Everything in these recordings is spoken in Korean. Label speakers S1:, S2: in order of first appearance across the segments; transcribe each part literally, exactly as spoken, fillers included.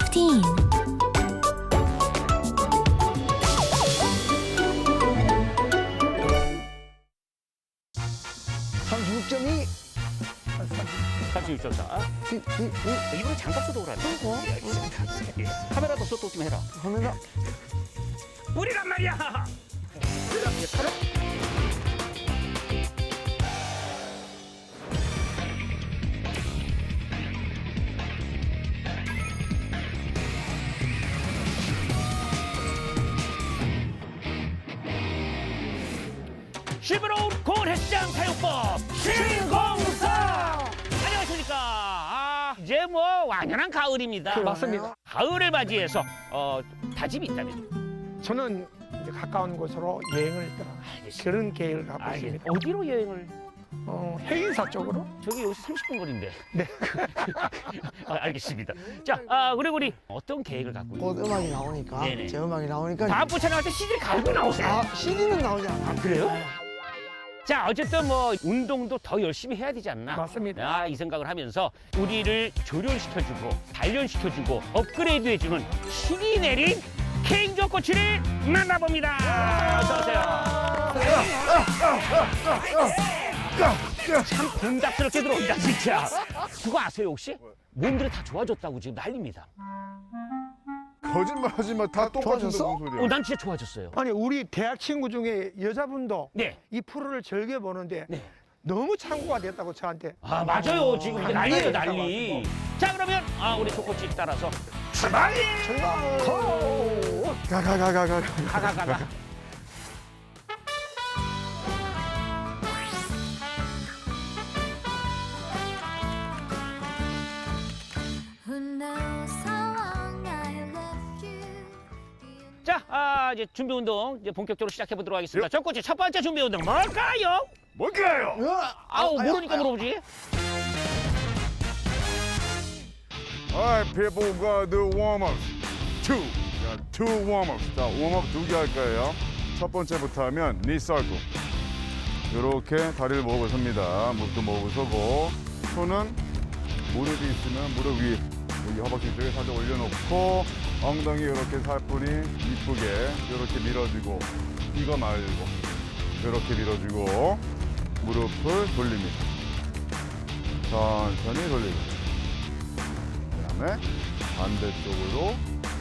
S1: fifteen.
S2: 삼십육 점 이.
S3: 삼십육 점 사. 이번에 장갑 써도 그러네. 예, 알겠습니다. 예. 카메라도 쏘도 좀 해라.
S2: 카메라.
S3: 우리란 말이야. 예, 카메라. 씹으로운 고온 헬스장 사용법 신공사. 안녕하십니까. 아, 이제 뭐 완연한 가을입니다.
S2: 맞습니다.
S3: 가을을 맞이해서 어, 다짐이 있다면
S2: 저는 이제 가까운 곳으로 여행을 떠나
S3: 알겠습니다.
S2: 그런 계획을 갖고
S3: 아, 예.
S2: 있습니다.
S3: 어디로 여행을?
S2: 어, 해인사 쪽으로.
S3: 저기 여기서 삼십 분 거리인데.
S2: 네.
S3: 아, 알겠습니다. 자, 아, 그리고 우리 어떤 계획을 갖고 있나요?
S4: 곧 음악이 나오니까
S3: 네네.
S4: 제 음악이 나오니까
S3: 다음 부 촬영할 때 씨디를 갈고 나오세요.
S4: 아 씨디는 나오지 않아.
S3: 그래요? 자, 어쨌든 뭐 운동도 더 열심히 해야 되지 않나?
S2: 맞습니다.
S3: 아, 이 생각을 하면서 우리를 조련시켜주고 단련시켜주고 업그레이드해주는 신이 내린 케인조 코치를 만나봅니다. 어서 오세요. 참 분답스럽게 들어온다 진짜. 그거 아세요 혹시? 몸들이 다 좋아졌다고 지금 난립니다.
S5: 거짓말 하지 마. 다 똑같은데
S4: 좋아졌어?
S5: 무슨 소리야.
S3: 어, 난 진짜 좋아졌어요.
S2: 아니 우리 대학 친구 중에 여자분도
S3: 네.
S2: 이 프로를 즐겨 보는데
S3: 네.
S2: 너무 참고가 됐다고 저한테.
S3: 아, 맞아요. 지금 이제 난리예요, 난리. 자, 그러면 아, 우리 조코치 따라서 출발!
S5: 가가가가가.
S3: 가가가가.
S1: Who knows how long I left you?
S3: 자, 아, 이제 준비 운동 이제 본격적으로 시작해 보도록 하겠습니다. 조코치 첫 번째 준비 운동 뭘까요?
S5: 뭘까요?
S3: 아우, 모르니까 물어보지.
S5: Alright, people got the warm-ups. Two. 자, two warm-ups. 자, 웜업 두 개 할 거예요. 첫 번째부터 하면 knee circle. 이렇게 다리를 모으고 섭니다. 무릎도 모으고 서고, 손은 무릎이 있으면 무릎 위, 여기 허벅지 쪽에 살짝 올려놓고, 엉덩이 이렇게 살뿐히 이쁘게 이렇게 밀어주고, 이거 말고 이렇게 밀어주고, 무릎을 돌립니다. 천천히 돌리고, 그다음에 반대쪽으로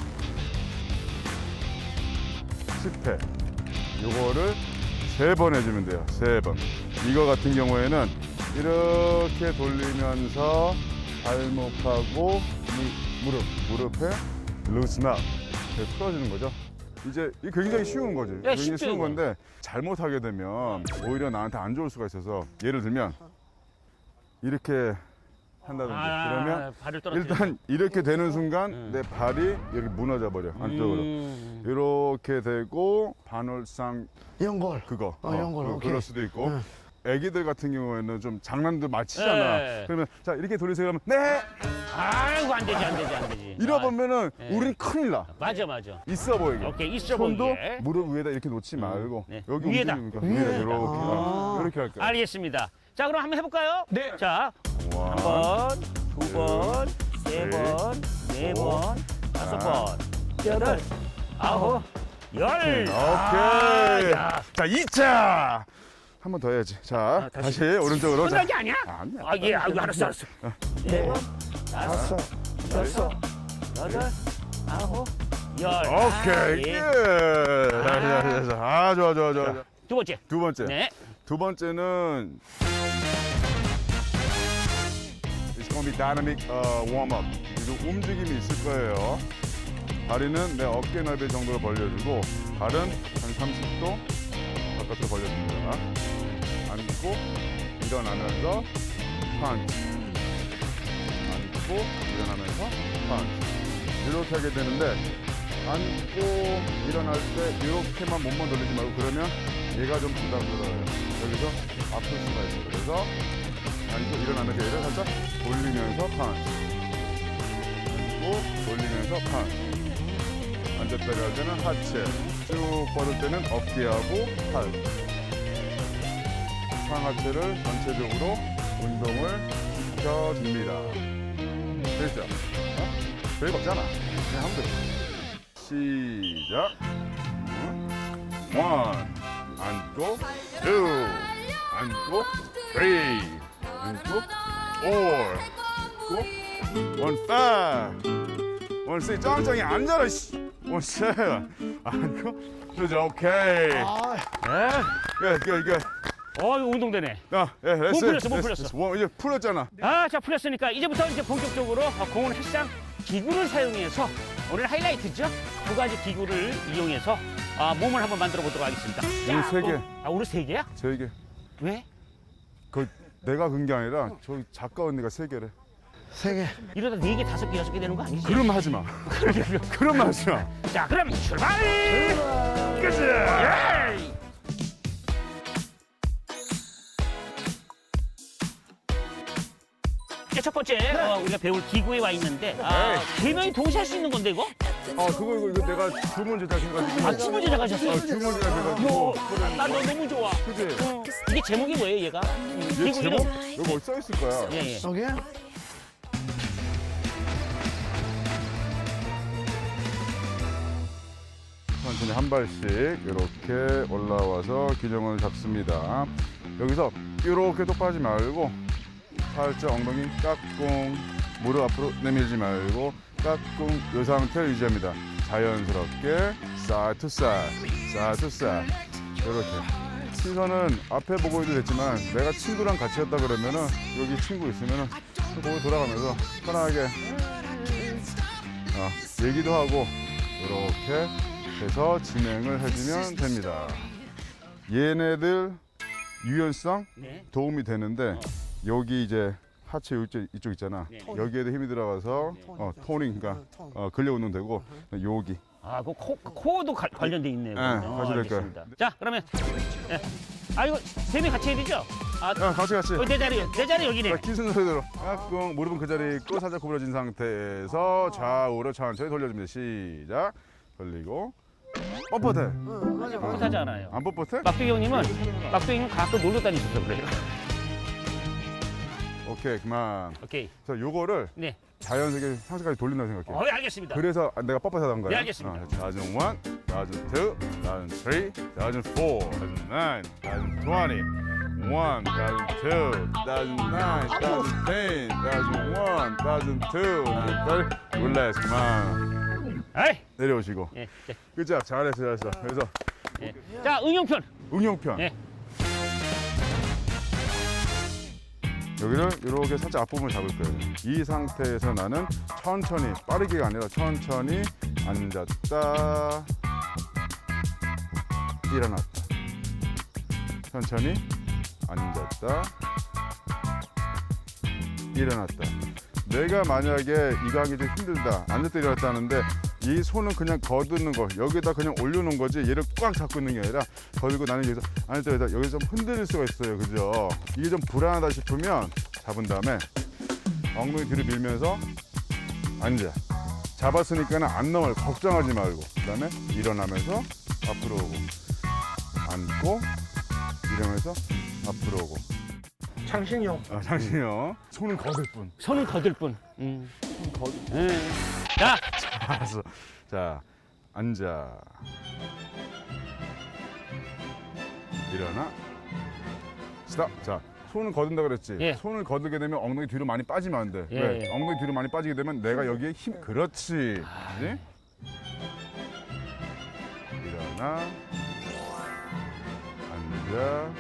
S5: 십 회. 요거를 세 번 해주면 돼요. 세 번. 이거 같은 경우에는 이렇게 돌리면서 발목하고 무, 무릎, 무릎에 루스나 풀어주는 거죠. 이제 이게 굉장히 쉬운 거지. 굉장히
S3: 쉽죠,
S5: 쉬운
S3: 이거.
S5: 건데 잘못하게 되면 오히려 나한테 안 좋을 수가 있어서 예를 들면 이렇게 한다든지 그러면
S3: 아, 발을 떨어뜨려.
S5: 일단 이렇게 되는 순간
S3: 음.
S5: 내 발이 여기 무너져 버려 안쪽으로
S3: 음.
S5: 이렇게 되고 반월상
S4: 연골.
S5: 그거
S4: 어, 연골,
S5: 그-
S4: 오케이.
S5: 그럴 수도 있고
S4: 응.
S5: 애기들 같은 경우에는 좀 장난도 많이 치잖아.
S3: 네.
S5: 그러면 자 이렇게 돌리세요 하면 네
S3: 아이고, 안 되지, 안 되지, 안 되지.
S5: 이러보면은
S3: 네.
S5: 우린 큰일 나.
S3: 맞아, 맞아.
S5: 있어 보이게.
S3: 오케이, 있어
S5: 손도
S3: 보이게.
S5: 무릎 위에다 이렇게 놓지 말고
S3: 네.
S5: 여기
S3: 위에다.
S5: 움직이니까
S4: 위에.
S5: 위에다 이렇게
S4: 아.
S5: 이렇게 할 거야.
S3: 알겠습니다. 자, 그럼 한번 해볼까요?
S2: 네.
S3: 자,
S5: 원,
S3: 한 번, 두 번, 세
S5: 셋,
S3: 번, 네
S5: 오,
S3: 번, 다섯
S5: 아.
S3: 번, 여덟, 아홉, 열.
S5: 오케이.
S3: 아, 야.
S5: 자 이 차. 한 번 더 해야지. 자
S3: 다시.
S5: 다시, 오른쪽으로.
S3: 끝난 게
S5: 자.
S3: 아니야?
S5: 아니야.
S3: 아, 예, 아이고, 알았어, 알았어. 네 번, 다섯,
S2: 됐어.
S3: 여덟, 아홉, 열.
S5: 오케이.
S3: 아,
S5: 예.
S3: 예.
S5: 자, 자, 자, 자. 아 좋아 좋아 좋아.
S3: 자, 두 번째.
S5: 두 번째.
S3: 네.
S5: 두 번째는 It's gonna be dynamic uh, warm up. 그리고 움직임이 있을 거예요. 다리는 내 어깨 넓이 정도로 벌려주고 발은 한 삼십 도 바깥으로 벌려줍니다. 앉고 일어나면서 펀치. 앉고 일어나면서 펀치. 이렇게 하게 되는데 앉고 일어날 때 이렇게만 몸만 돌리지 말고 그러면 얘가 좀 부담스러워요. 여기서 아플 수가 있어요. 그래서 앉고 일어나면서 얘를 살짝 돌리면서 펀치. 앉고 돌리면서 펀치. 앉았다가 할 때는 하체. 쭉 뻗을 때는 어깨하고 팔. 상하체를 전체적으로 운동을 시켜줍니다. 됐죠? 어? 별거 없잖아. 그냥 하면 돼. 시작. 원. 앉고. 투. 앉고. 쓰리. 앉고. 포. 원. 파이브. 원. 쓰리. 짱짱이 앉아라. 씨. 원. 세븐. 앉고. 그죠. 오케이.
S4: 아,
S3: 예.
S5: 이거 이거.
S3: 어, 이거 운동되네.
S5: 야, 예, 레스.
S3: 몸 풀렸어, 몸
S5: 레스,
S3: 풀렸어.
S5: 레스. 원, 이제 풀렸잖아.
S3: 아, 자, 풀렸으니까 이제부터 이제 본격적으로 어, 공원 헬스장 기구를 사용해서 오늘 하이라이트죠. 두 가지 기구를 이용해서 아, 몸을 한번 만들어 보도록 하겠습니다.
S5: 오늘 세 개.
S3: 어, 아, 오늘 세 개야?
S5: 세 개.
S3: 왜?
S5: 그 내가 근 게 아니라 저기 작가 언니가 세 개래.
S4: 세 개.
S3: 이러다 네 개, 다섯 개, 여섯 개 되는 거 아니지?
S5: 그럼 하지 마. 그럼 하지 마.
S3: 자, 그럼 출발! 가자! 예! 이제 첫 번째 어, 우리가 배울 기구에 와 있는데 아, 세 명이 동시에 할 수 있는 건데 이거?
S5: 아, 그거 이거, 이거 내가 주문 제작해가지고.
S3: 아, 춤을 제작하셨어?
S5: 어, 주문 제작해가지고.
S3: 요, 난너 너무 좋아.
S5: 그지?
S3: 어, 이게 제목이 뭐예요, 얘가?
S5: 얘
S3: 기구
S5: 제목
S3: 이름?
S5: 여기 어디 써 있을 거야.
S3: 예, 예.
S4: 여기?
S5: 천천히 한 발씩 이렇게 올라와서 균형을 잡습니다. 여기서 이렇게 똑바르지 말고 살짝 엉덩이 깍꿍, 무릎 앞으로 내밀지 말고 깍꿍 이 상태를 유지합니다. 자연스럽게 사이드 투 사이드, 사이드 투 사이드 이렇게. 시선은 앞에 보고 해도 됐지만 내가 친구랑 같이 했다 그러면은 여기 친구 있으면은 거기 돌아가면서 편하게 어, 얘기도 하고 이렇게 해서 진행을 해주면 됩니다. 얘네들 유연성
S3: 네.
S5: 도움이 되는데 여기 이제 하체 이쪽, 이쪽 있잖아.
S3: 네.
S5: 여기에도 힘이 들어가서 어, 토닝, 그러니까 어, 근력 운동 되고 여기.
S3: 아, 그 코, 코어도 가- 관련돼 있네요.
S5: 네,
S3: 어,
S5: 같이 될 거예요.
S3: 알겠습니다. 자, 그러면 예. 아, 이거 세 명 같이 해야 되죠? 아,
S5: 야, 같이 같이.
S3: 어, 내 자리, 내 자리 여기네.
S5: 자, 키 순서대로 깍꿍 무릎은 그 자리에 있고 살짝 구부러진 상태에서 좌우로 천천히 돌려줍니다. 시작. 돌리고 뻣뻣해.
S4: 응, 맞아, 맞아.
S3: 못하지 않아요.
S5: 안 뻣뻣해?
S3: 막두기 형님은 막두기 형님 가끔 놀러 다니셔서 그래요.
S5: 오케이, 그만.
S3: 오케이.
S5: 자, 요거를
S3: 네.
S5: 자연스럽게 상체까지 돌린다고 생각해.
S3: 어, 예, 알겠습니다.
S5: 그래서 내가 뻣뻣하다는 거야.
S3: 네, 알겠습니다.
S5: 어, 다전 일, 다전 투, 다전 쓰리, 다전 사, 다전 나인, 다전 트웬티, 원, 다전 투, 다전 나인, 다전 텐, 다전 일, 다전 투, 다전 쓰리, 릴렉스, 그만.
S3: 아이.
S5: 내려오시고.
S3: 예. 네.
S5: 그죠? 잘했어, 잘했어. 그래서
S3: 예. 자, 응용편.
S5: 응용편.
S3: 예.
S5: 여기를 이렇게 살짝 앞부분을 잡을 거예요. 이 상태에서 나는 천천히, 빠르게가 아니라 천천히 앉았다, 일어났다. 천천히 앉았다, 일어났다. 내가 만약에 이 강이 좀 힘들다, 앉았다 일어났다 하는데 이 손은 그냥 거두는 거, 여기다 그냥 올려놓은 거지 얘를 꽉 잡고 있는 게 아니라 거두고 나는 여기서 앉았다 일어났다 여기서 좀 흔들릴 수가 있어요. 그죠? 이게 좀 불안하다 싶으면 잡은 다음에 엉덩이 뒤로 밀면서 앉아. 잡았으니까는 안 넘어요. 걱정하지 말고. 그 다음에 일어나면서 앞으로 오고 앉고 일어나면서 앞으로 오고.
S2: 창신용.
S5: 아, 잠시만요. 손은 거들 뿐.
S3: 손은 거들 뿐. 음. 예. 자,
S5: 알았어. 자, 앉아. 일어나. 스탑. 자, 손을 거둔다 그랬지.
S3: 예.
S5: 손을 거두게 되면 엉덩이 뒤로 많이 빠지면 안 돼.
S3: 예,
S5: 왜?
S3: 예.
S5: 엉덩이 뒤로 많이 빠지게 되면 내가 여기에 힘. 그렇지.
S3: 아.
S5: 그지? 일어나. 앉아.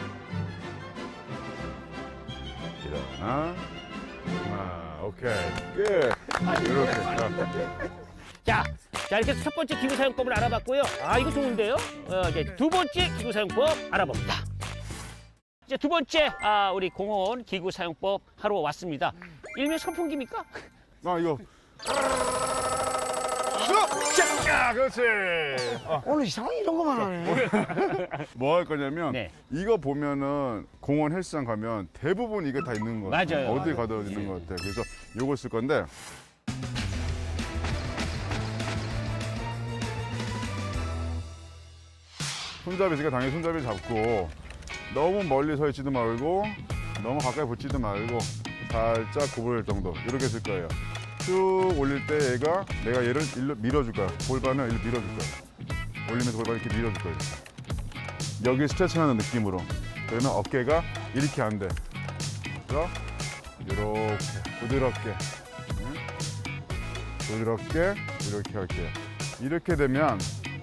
S5: 일어나. 아, 오케이. 끝. 이렇게. 자.
S3: 자, 자 이렇게 첫 번째 기구 사용법을 알아봤고요. 아, 이거 좋은데요? 어, 이제 두 번째 기구 사용법 알아봅니다. 이제 두 번째 아, 우리 공원 기구 사용법 하러 왔습니다. 일명 선풍기입니까?
S5: 아, 이거. 자, 그렇지. 어,
S4: 오늘 이상한 이런 거만 하네.
S5: 뭐 할 거냐면
S3: 네.
S5: 이거 보면은 공원 헬스장 가면 대부분 이게 다 있는 거 같아.
S3: 맞아요.
S5: 어디 가도 있는 거 같아. 그래서 요거 쓸 건데 손잡이 있으니까 당연히 손잡이 잡고 너무 멀리 서 있지도 말고 너무 가까이 붙지도 말고 살짝 구부릴 정도 이렇게 쓸 거예요. 쭉 올릴 때 얘가 내가 얘를 일로 밀어줄 거야. 골반을 일로 밀어줄 거야. 올리면서 골반을 이렇게 밀어줄 거야. 여기 스트레칭하는 느낌으로. 그러면 어깨가 이렇게 안 돼. 그래서 이렇게 부드럽게, 응? 부드럽게 이렇게 할게요. 이렇게 되면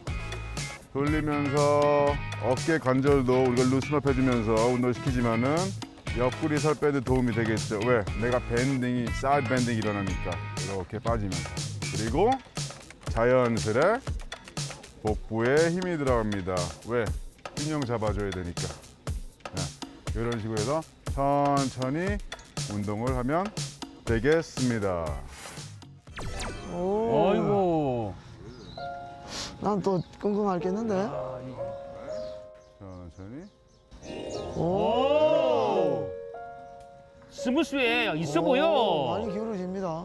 S5: 돌리면서 어깨 관절도 우리가 루스업 해주면서 운동을 시키지만은 옆구리 살 빼는 도움이 되겠죠. 왜? 내가 밴딩이, 사이드 밴딩이 일어나니까 이렇게 빠지면서. 그리고 자연스레 복부에 힘이 들어갑니다. 왜? 균형 잡아줘야 되니까. 네. 이런 식으로 해서 천천히 운동을 하면 되겠습니다.
S4: 오.
S3: 어이구.
S4: 난 또 끙끙 앓겠는데.
S5: 천천히.
S4: 오.
S3: 오. 스무스해. 있어
S4: 오,
S3: 보여.
S4: 많이 기울어집니다.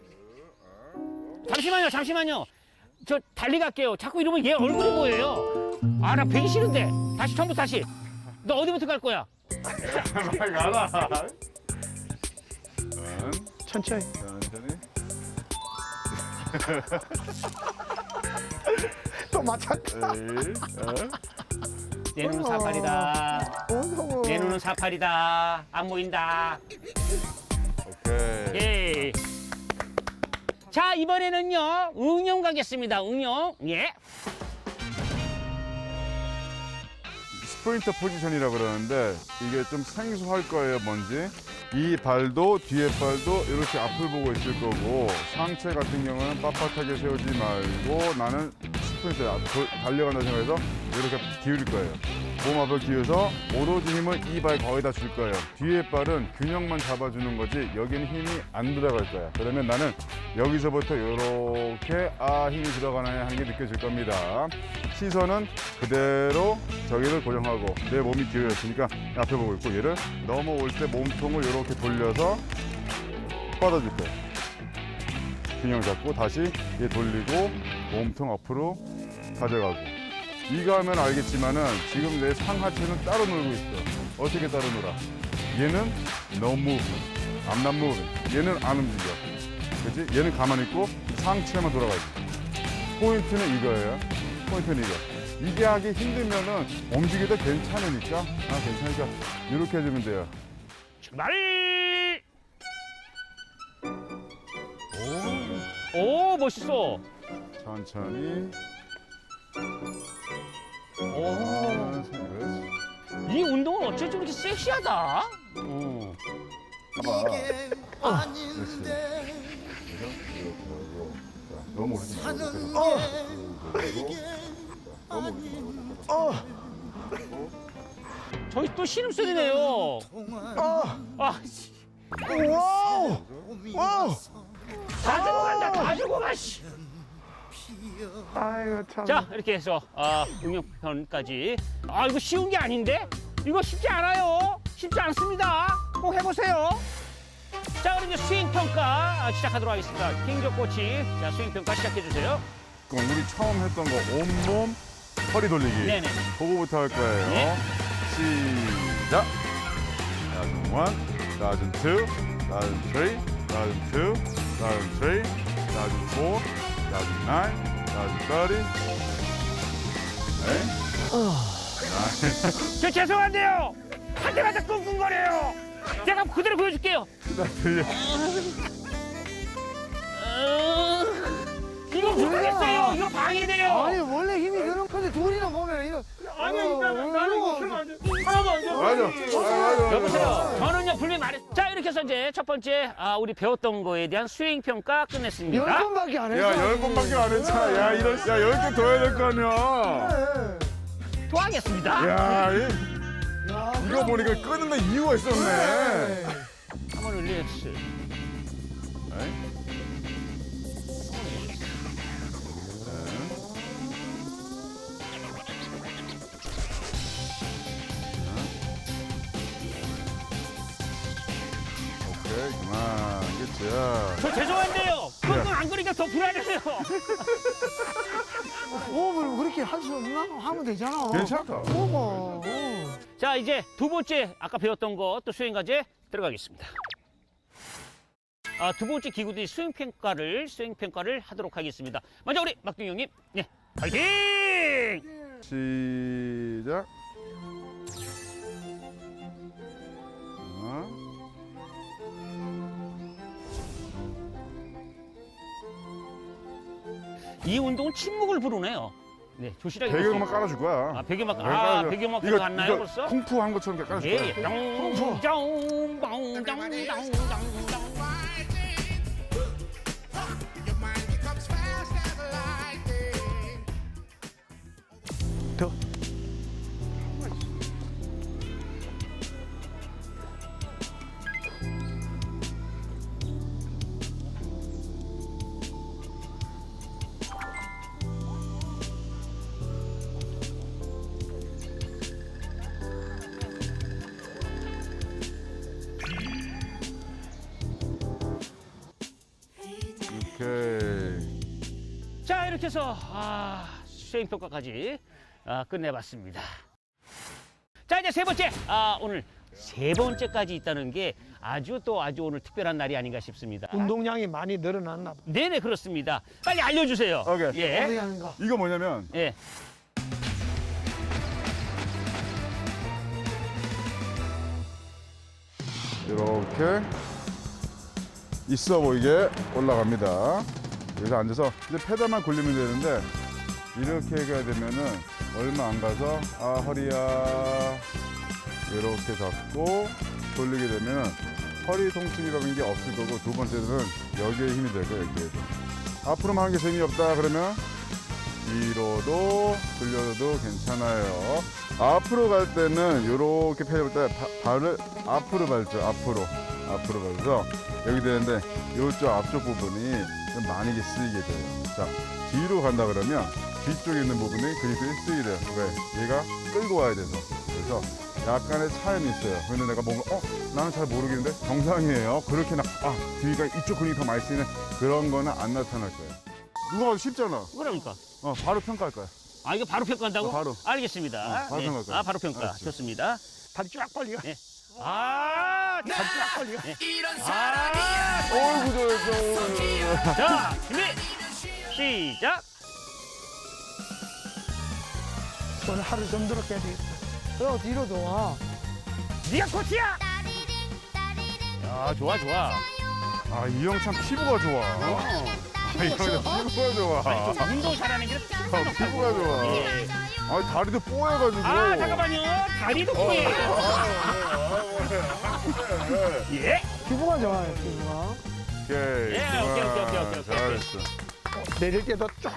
S3: 잠시만요, 잠시만요. 저 달리 갈게요. 자꾸 이러면 얘 얼굴이 보여요. 아, 나 배기 싫은데. 다시 처음부터 다시. 너 어디부터 갈 거야?
S5: 빨리 가라.
S2: 천천히.
S5: 천천히.
S2: 또 맞췄다.
S5: 에이, 어?
S3: 내 눈은 사팔이다.
S4: 오,
S3: 내 눈은 사팔이다. 안 보인다.
S5: 오케이.
S3: 예. 자, 이번에는요, 응용 가겠습니다. 응용. 예.
S5: 스프린터 포지션이라 그러는데 이게 좀 생소할 거예요, 뭔지. 이 발도 뒤에 발도 이렇게 앞을 보고 있을 거고 상체 같은 경우는 빳빳하게 세우지 말고 나는 스프린터 달려간다 생각해서 이렇게 기울일 거예요. 몸 앞을 기울여서 오로지 힘을 이 발 거의 다 줄 거예요. 뒤에 발은 균형만 잡아주는 거지 여기는 힘이 안 들어갈 거야. 그러면 나는 여기서부터 이렇게 아 힘이 들어가네 하는 게 느껴질 겁니다. 시선은 그대로 저기를 고정하고 내 몸이 기울였으니까 앞에 보고 있고 얘를 넘어올 때 몸통을 이렇게 돌려서 뻗어줄 거예요. 균형 잡고 다시 얘 돌리고 몸통 앞으로 가져가고 이거 하면 알겠지만은 지금 내 상하체는 따로 놀고 있어. 어떻게 따로 놀아? 얘는 no move, I'm not moving. 얘는 안 움직여. 그렇지? 얘는 가만히 있고 상체만 돌아가지. 포인트는 이거예요. 포인트는 이거. 이게 하기 힘들면은 움직여도 괜찮으니까 아 괜찮으니까 이렇게 해주면 돼요.
S3: 출발! 오, 멋있어.
S5: 천천히.
S3: 오.
S5: 그렇지.
S3: 이 운동은 어째 좀 이렇게 섹시하다. 어.
S5: 봐봐. 그렇지. 그래서 이렇게 하고 자, 너무 오르지 말고
S4: 어.
S5: 그리고 너무 오르지 말고
S4: 어.
S3: 저기 또 신음소리네요.
S4: 어.
S3: 아, 씨.
S4: 와우. 와우.
S3: 다 죽어간다, 다 죽어가, 씨.
S2: 아이고 참.
S3: 자, 이렇게 해서 아, 응용편까지. 아, 이거 쉬운 게 아닌데? 이거 쉽지 않아요. 쉽지 않습니다. 꼭 해보세요. 자, 그럼 이제 수행평가 시작하도록 하겠습니다. 김조 코치, 자, 수행평가 시작해주세요.
S5: 그럼 우리 처음 했던 거 온몸 허리 돌리기.
S3: 네네.
S5: 그거부터 할 거예요.
S3: 네.
S5: 시작. 라운 원, 라운 투, 라운 쓰리, 라운 투, 라운 쓰리, 라운 포, 라운 나인, 라운 서티. 네.
S3: 저 죄송한데요. 한 대마다 끙끙거려요. 제가 그대로 보여줄게요.
S5: 나 들려.
S3: 어, 이거 모르겠어요. 이거 방해돼요.
S4: 아니 원래 힘이 드는 건데 둘이나 보면 이거.
S3: 아니야,
S4: 어,
S3: 나는 나는 이거 하면 안 돼. 하나도 안 돼.
S5: 맞아. 맞아.
S3: 여보세요. 저는요 분명히 말했. 자, 이렇게 해서 이제 첫 번째 아, 우리 배웠던 거에 대한 수행 평가
S4: 열
S3: 끝냈습니다.
S4: 번밖에 안 했어.
S5: 야, 열 번밖에 안 했잖아. 야, 이런, 야, 열 개 더 해야 될 거 아니야.
S3: 또 하겠습니다.
S5: 야, 이,
S4: 야,
S5: 이거 보니까 끊는 이유가 있었네.
S3: 한번 릴렉스.
S5: 에이? 오케이, 그만. 그치야.
S3: 저 죄송한데요. 끙끙 안 거리니까 더 불안해요.
S4: 호흡을 그렇게 할 수 없나? 하면 되잖아.
S5: 괜찮다.
S4: 호흡. 어.
S3: 자, 이제 두 번째 아까 배웠던 거 또 수행 과제 들어가겠습니다. 아, 두 번째 기구들이 수행 평가를 수행 평가를 하도록 하겠습니다. 먼저 우리 막둥이 형님, 네, 파이팅!
S5: 시작. 하나.
S3: 이 운동은 침묵을 부르네요. 네, 조실하게.
S5: 배경음악
S3: 볼게요.
S5: 깔아줄 거야.
S3: 아, 배경음악,
S5: 네,
S3: 아,
S5: 깔아줘.
S3: 배경음악
S5: 이거-
S3: 들어갔나요,
S5: 이거
S3: 벌써?
S5: 쿵푸 한 것처럼 깔아줄
S3: 예,
S5: 거야.
S3: 예. 짱짱짱짱짱짱짱.
S2: 더.
S5: 오케이.
S3: 자, 이렇게 해서 아, 수행 평가까지 아, 끝내봤습니다. 자, 이제 세 번째. 아, 오늘 세 번째까지 있다는 게 아주 또 아주 오늘 특별한 날이 아닌가 싶습니다.
S2: 운동량이 많이 늘어났나 봐.
S3: 네네, 그렇습니다. 빨리 알려주세요.
S5: 오케이.
S4: 어떻게
S3: 예.
S4: 하는가?
S5: 이거 뭐냐면
S3: 예.
S5: 이렇게 있어 보이게 올라갑니다. 여기서 앉아서 이제 페달만 굴리면 되는데 이렇게 가야 되면은 얼마 안 가서 아 허리야 이렇게 잡고 돌리게 되면 허리 통증이라는 게 없을 거고 두 번째는 여기에 힘이 될 거예요. 여기에. 앞으로만 하는 게 재미없다 그러면 뒤로도 돌려도 괜찮아요. 앞으로 갈 때는 이렇게 펴볼 때 바- 발을 앞으로 밟죠. 앞으로 앞으로 밟아서 여기 되는데 이쪽 앞쪽 부분이 좀 많이 쓰이게 돼요. 자 뒤로 간다 그러면 뒤쪽에 있는 부분이 근육들이 쓰이게 돼요. 왜? 얘가 끌고 와야 돼서. 그래서 약간의 차이는 있어요. 근데 내가 뭔가 어 나는 잘 모르겠는데 정상이에요. 그렇게 나 아 뒤가 이쪽 근육이 더 많이 쓰이는 그런 거는 안 나타날 거예요. 누가 봐도 쉽잖아.
S3: 그러니까.
S5: 어 바로 평가할 거야.
S3: 아, 이거 바로 평가한다고?
S5: 어, 바로.
S3: 알겠습니다.
S5: 어, 바로
S3: 네.
S5: 평가할까요?
S3: 아, 바로 평가.
S5: 알았어.
S3: 좋습니다.
S2: 다리 쫙 벌려.
S3: 네. 아,
S2: 다리 쫙 벌려.
S3: 아,
S5: 어이구 잘했어.
S3: 자, 준비, 시작.
S2: 오늘 하루 좀 들어 깨야 되겠다.
S4: 저 뒤로 좋아.
S3: 네가 코치야. 야, 좋아, 좋아.
S5: 아 이 형 참 피부가 좋아.
S3: 어.
S5: 아, 이 형 피부가 좋아.
S3: 아니, 좀 운동 잘하는 게
S5: 어, 피부가 좋아.
S3: 예.
S5: 아 다리도 뽀해가지고.
S3: 아, 잠깐만요. 다리도 보여요. 예.
S4: 피부가 좋아요, 피부가.
S5: 오케이.
S3: 예, 오케이, 오케이, 오케이, 오케이, 오케이.
S5: 잘했어.
S2: 내릴 때도 쫙.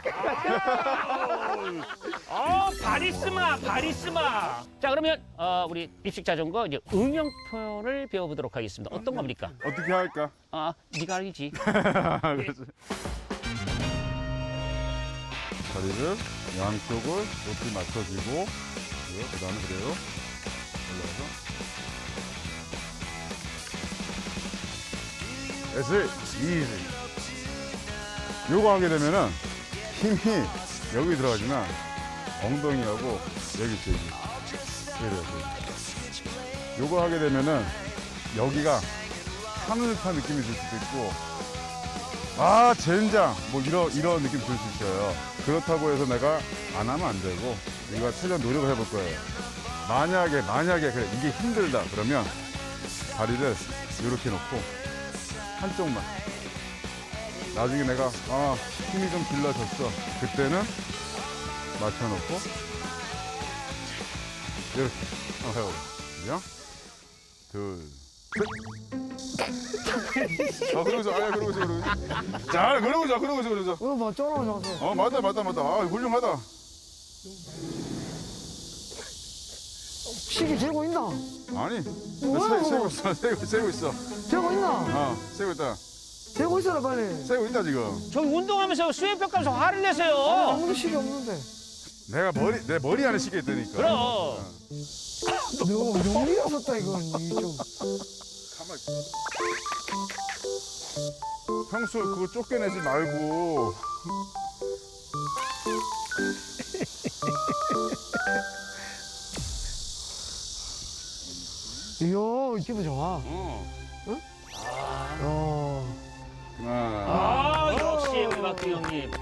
S3: 어, 바리스마, 바리스마. 자, 그러면 어, 우리 입식 자전거 이제 응용 표현을 배워보도록 하겠습니다. 어떤 겁니까?
S5: 어떻게 할까?
S3: 아, 네가 알지.
S5: 그래서 다리를 양쪽을 높이 맞춰주고 그 다음에 그대로 올라가서 That's it. Easy. 요거 하게 되면은 힘이 여기 들어가지만 엉덩이하고 여기 있죠. 여기. 이래요. 요거 하게 되면은 여기가 하늘 타 느낌이 들 수도 있고 아 젠장 뭐 이런 이런 느낌 들 수 있어요. 그렇다고 해서 내가 안 하면 안 되고 우리가 최대한 노력을 해볼 거예요. 만약에 만약에 그래 이게 힘들다 그러면 다리를 이렇게 놓고 한쪽만 나중에 내가 아 힘이 좀 길러졌어 그때는 맞춰놓고 이렇게 한번 해보자. 둘 셋. 아 그러고서 아야 그러고서 그러고서 자 그러고서 그러고서 그러고서
S4: 이거 뭐 쫄아져서.
S5: 어 맞다 맞다 맞다 아 훌륭하다.
S4: 시계 재고 있나?
S5: 아니
S4: 뭐야,
S5: 세, 세고
S4: 이거?
S5: 있어 세고, 세고 있어
S4: 재고 있나?
S5: 어 세고 있다
S4: 재고 있어라, 빨리.
S5: 세고 있다 지금.
S3: 저 운동하면서 수행평가하면서 화를 내세요.
S4: 아무도 시계 없는데.
S5: 내가 머리 내 머리 안에 시계 있다니까.
S3: 그럼.
S4: 너무 용리가 섰다, 이건. 이 좀.
S5: 가만. 평소 그거 쫓겨내지 말고.
S4: 이야, 기분 좋아.
S3: 어.
S4: 응?
S3: 아,
S4: 어.
S5: 하나.
S3: 아, 역시 우리 박두 형님.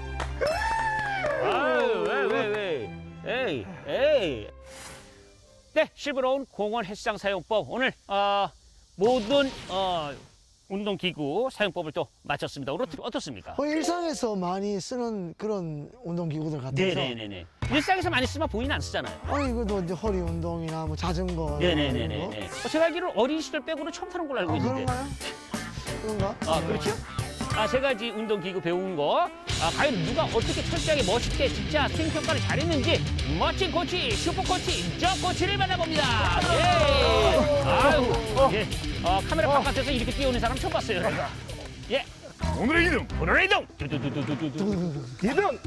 S3: 아유, 왜, 왜, 왜. 에이, 에이. 네, 실버로운 공원 헬스장 사용법. 오늘, 어, 모든, 어, 운동기구 사용법을 또 마쳤습니다. 오늘 어떻- 어떻습니까?
S4: 어, 일상에서 많이 쓰는 그런 운동기구들 같아서.
S3: 네네네네. 일상에서 많이 쓰면 본인 안 쓰잖아요.
S4: 아니, 이것도 이제 허리 운동이나 뭐 자전거. 이런 거.
S3: 네네네네. 어, 제가 알기로 어린 시절 빼고는 처음 타는 걸로 알고
S4: 아,
S3: 있는데.
S4: 그런가요? 그런가?
S3: 아, 그렇죠? 아, 세 가지 운동기구 배운 거. 아, 과연 누가 어떻게 철저하게 멋있게 진짜 스윙 평가를 잘했는지 멋진 코치, 슈퍼 코치, 저 코치를 만나봅니다. 예. 아유, 예. 어, 카메라 바깥에서 이렇게 뛰어오는 사람 처음 봤어요. 제가. 예.
S5: 오늘의 이등.
S3: 오늘의 이동. 두두두두두두.
S2: 이등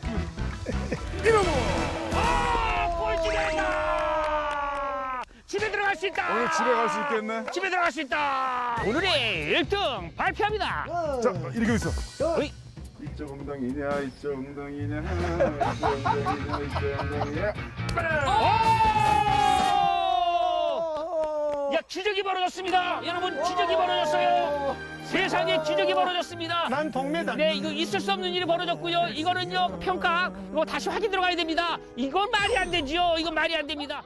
S3: 아, 꼴찌됐다. 집에 들어갈 수 있다.
S5: 오늘 집에 갈 수 있겠네.
S3: 집에 들어갈 수 있다. 오늘의 일 등 발표합니다.
S5: 자, 이렇게 있어.
S3: 어이.
S5: 이쪽 엉덩이냐, 이쪽 엉덩이냐, 이쪽 엉덩이냐, 이쪽 엉덩이냐.
S3: 오! 야, 기적이 벌어졌습니다. 여러분, 기적이 벌어졌어요. 세상에 기적이 벌어졌습니다.
S2: 난 동메달.
S3: 네, 이거 있을 수 없는 일이 벌어졌고요. 이거는요, 평가, 이거 다시 확인 들어가야 됩니다. 이건 말이 안 되지요. 이건 말이 안 됩니다.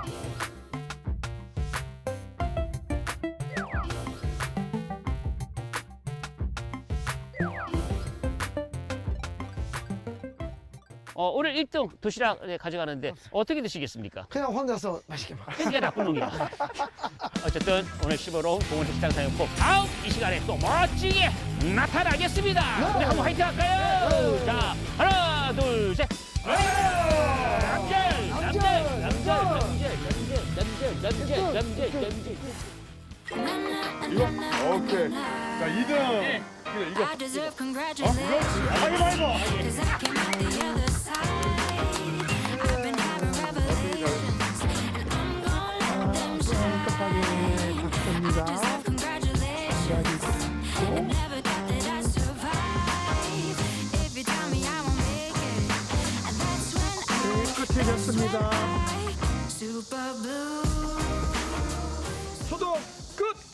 S3: 어, 오늘 일 등 도시락 네, 가져가는데 어떻게 드시겠습니까?
S4: 그냥 혼자서 맛있게 먹어.
S3: 이게 나쁜 놈이야. 어쨌든 오늘 십오로 공원 헬스장 사용법 다음 이 시간에 또 멋지게 나타나겠습니다. 우리 한번 화이팅 할까요? 자, 하나, 둘, 셋. 남절, 남절, 남절, 남절, 남절, 남절, 남절, 남절.
S5: 이거? 오케이. 자, 이등. 그래, 이거.
S1: I deserve congratulations.
S2: 가위바위보.
S1: Cause I came out the other side. I've been having revelations. And I'm gonna let them shine.
S2: 깜빡이 박수입니다.
S1: Deserve congratulations. I never thought that I'd survive. If you tell me I won't make it, and that's when I
S2: 끝이 됐습니다.
S1: Super blue.
S2: 소독 끝.